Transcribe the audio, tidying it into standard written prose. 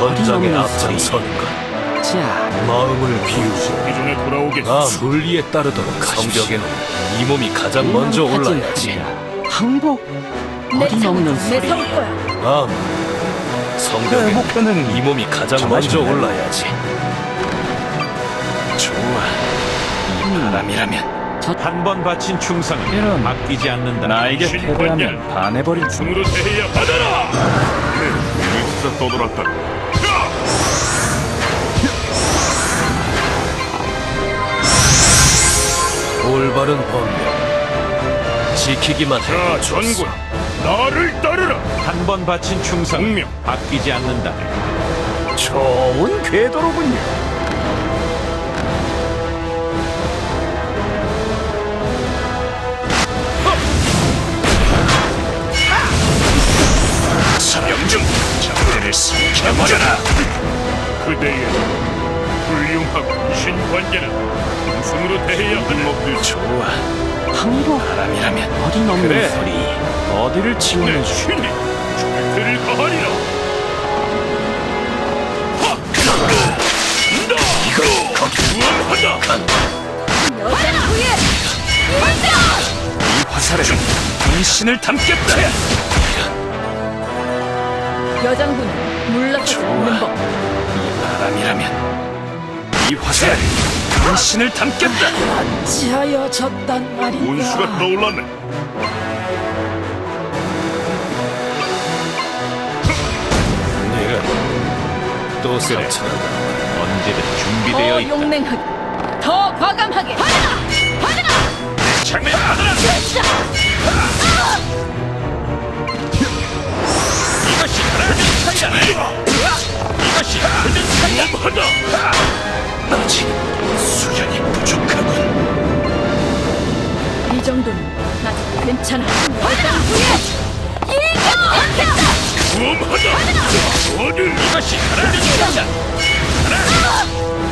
전장에 앞장서는 것. 자, 마음을 비우고 기존에 돌아오겠소. 나 물리에 따르도록 성벽에는 이 몸이 가장 먼저 올라야지. 항복. 어림없는 소리. 매서울 거야. 성벽에 목표는 이 몸이 가장 먼저 올라야지. 좋아. 이 바람이라면 한 번 바친 충성은 바뀌지 않는다. 나에게 패배하면 반해버릴 줄. 승으로 대해야 받아라. 일사 떠돌았다. 올바른 법명 지키기만 해. 자, 전군, 나를 따르라. 한 번 바친 충성은 분명. 바뀌지 않는다. 좋은 궤도로군요. 사령중 적들을 삼켜버려라. 그대의 훌륭하고 신관계는 승으로 대해야 하는 목들. 좋아. 항복. 바람이라면 어림없는 그래. 소리. 어디를 내 치우는 신이 절대를 가하리라. 구원하다. 여장부의 이 화살에 분신을 담겠다. 여장부는 물러서지 않는 법. 바람이라면 이 화살에 분신을 담겠다. 지하여졌단 말이야. 운수가 떠올랐네. 네가 또 상처난다. 언제든 준비되어 더 있다. 용맹하게, 더 과감하게. 받아라! 받아라! 장을 받아라. 이것이 굳은 차이다. 이것이 굳은 차이다. 구원하다. 아직 수련이 부족하군. 이 정도는 아직 괜찮아. 여장부의 일격! 구원하다. 어딜 이것이 하나님 차이다.